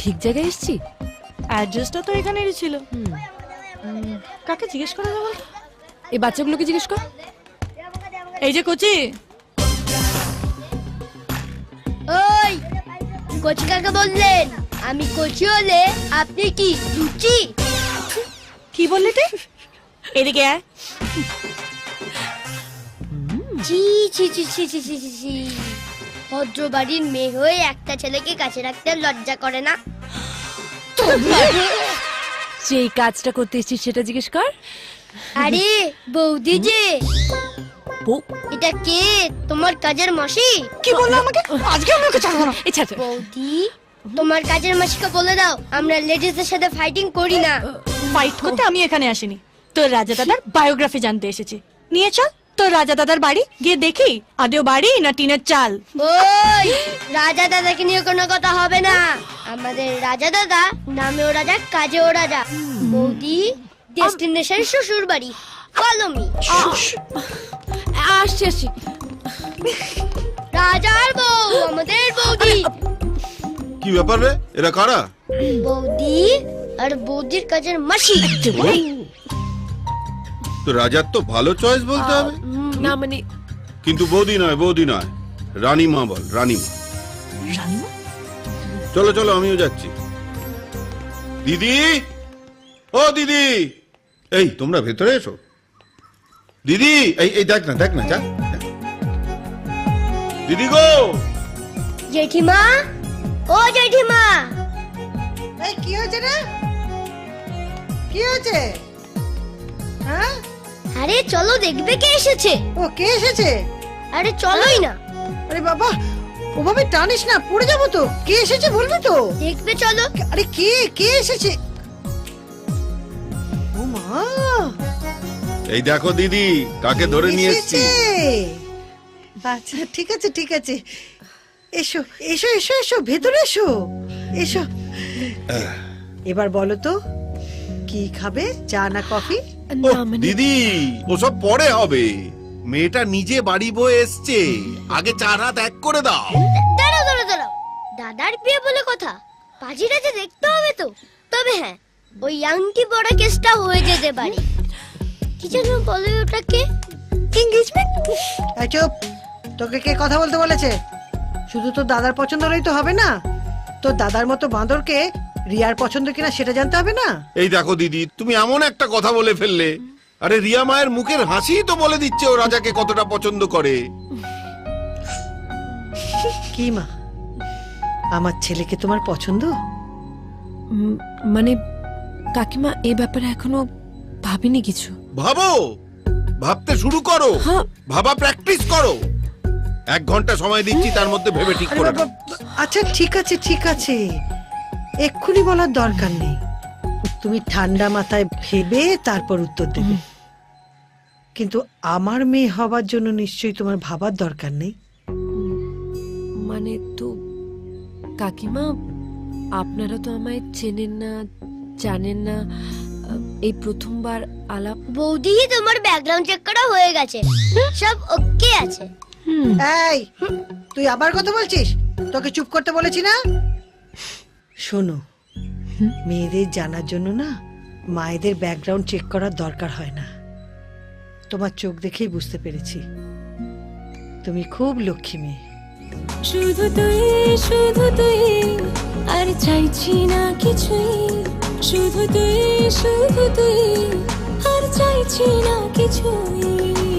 ঠিক জায়গায় এসেছি? অ্যাড্রেসটা তো এখানেরই ছিল। কাকে জিজ্ঞেস করা যাবে? এই বাচ্চাগুলোকে জিজ্ঞেস কর। এই যে কচি। ওই কচি কাকে বললেন? আমি কচি হলে আপনি কি লুচি? কি বললি তুই? এদিকে আয়। ছি ছি ছি ছি ছি ছি ছি ছি। ভদ্র বাড়ির মেয়ে হয়ে একটা ছেলেকে কাছে রাখতে লজ্জা করে না? যেই কাজটা করতে এসেছিস সেটা জিজ্ঞেস কর। আরে বৌদি যে, বউ? এটা কে? তোমার কাজের মাসি? কি বললো আমাকে? আজকে আমি ওকে ছাড়বো না। আচ্ছা বৌদি, তোমার কাজের মাসিকে বলে দাও আমরা লেডিসদের সাথে ফাইটিং করি না। ফাইট করতে আমি এখানে আসিনি, তোর রাজা দাদার বায়োগ্রাফি জানতে এসেছি। নিয়ে চল তোর রাজা দাদার বাড়ি, গিয়ে দেখি আদেও বাড়ি না টিনের চাল। ওই রাজা দাদাকে নিয়ে কোনো কথা হবে না। আমাদের রাজা দাদা নামেও রাজা, কাজেও রাজা। বৌদি, ডেস্টিনেশন শ্বশুর বাড়ি, ফলো মি। আসছি আসছি। রাজার বউ আমাদের বৌদি। কি ব্যাপার রে, এরা কারা? বৌদি আর বৌদির কাজের মাসি। তো রাজার তো ভালো চয়েস বলতে হবে। না মানে কিন্তু বৌদি নয়, বৌদি নয়, রানীমা বল, রানীমা। চলো চলো, আমিও যাচ্ছি। দিদি, ও দিদি, এই তোমরা ভেতরে এসো। দিদি, এই এই দেখ না, দেখ না, যা। দিদি গো, জেঠিমা, ও জেঠিমা। এই কি হয়েছে রে? কি হয়েছে? হ্যাঁ? আরে চলো দেখবে কে এসেছে। ও কে এসেছে? আরে চলোই না। আরে বাবা, ওভাবে টানিস না, পড়ে যাবো তো। কে এসেছে বলবি তো? দেখবে চলো। আরে কে কে এসেছে? ও মা, এই দেখো দিদি, কাকে ধরে নিয়ে এসেছি। আচ্ছা ঠিক আছে ঠিক আছে, এসো এসো এসো এসো, ভেতরে এসো এসো। এবার বলো তো, কি খাবে, চা না কফি? ও না মানে দিদি, ওসব পরে হবে। মেয়েটা নিজে বাড়ি বয়ে এসছে, আগে চার হাত এক করে দাও। দাঁড়াও দাঁড়াও দাঁড়াও, দাদার বিয়ে বলে কথা, পাজিটা যে দেখতে হবে তো। তবে হ্যাঁ, ওই আংটি পরা কেসটা হয়ে যেতে পারে। কি যেন বলে ওটাকে, এঙ্গেজমেন্ট। এই চুপ, তোকে কে কথা বলতে বলেছে? শুধু তো দাদার পছন্দ হলেই তো হবে না, তো দাদার মতো বাঁদরকে রিয়ার পছন্দ কিনা সেটা জানতে হবে না? এই দেখো দিদি, তুমি এমন একটা কথা বলে ফেললে। আরে রিয়া মায়ের মুখের হাসি তো বলে দিচ্ছে ও রাজাকে কতটা পছন্দ করে। কি মা, আমার ছেলেকে তোমার পছন্দ? মানে কাকিমা এই ব্যাপারে এখনো ভাবিনি কিছু। ভাবো, ভাবতে শুরু করো, হ্যাঁ। ভাবা প্র্যাকটিস করো। 1 ঘন্টা সময় দিচ্ছি, তার মধ্যে ভেবে ঠিক আরে করে বাবা, নাও। আচ্ছা ঠিক আছে ঠিক আছে, এক্ষুনি বলার দরকার নেই। তুমি ঠান্ডা মাথায় ভেবে তারপর উত্তর দেবে। কিন্তু আমার মেয়ে হবার জন্য নিশ্চয়ই তোমার ভাবার দরকার নেই। মানে তো কাকিমা, আপনারা তো আমায় চেনেন না, জানেন না। এই প্রথমবার আলাপ। বৌদি, তোমার ব্যাকগ্রাউন্ড চেক করা হয়ে গেছে, সব ওকে আছে। এই, তুই আবার কথা বলছিস? তোকে চুপ করতে বলেছি না? শোনো, মেয়েদের জানার জন্য না মায়েদের ব্যাকগ্রাউন্ড চেক করার দরকার হয় না। তোমার চোখ দেখেই বুঝতে পেরেছি তুমি খুব লক্ষ্মী মেয়ে। শুধু তুই, আর চাইছি না কিছুই। শুধু তুই, আর চাইছি না কিছুই।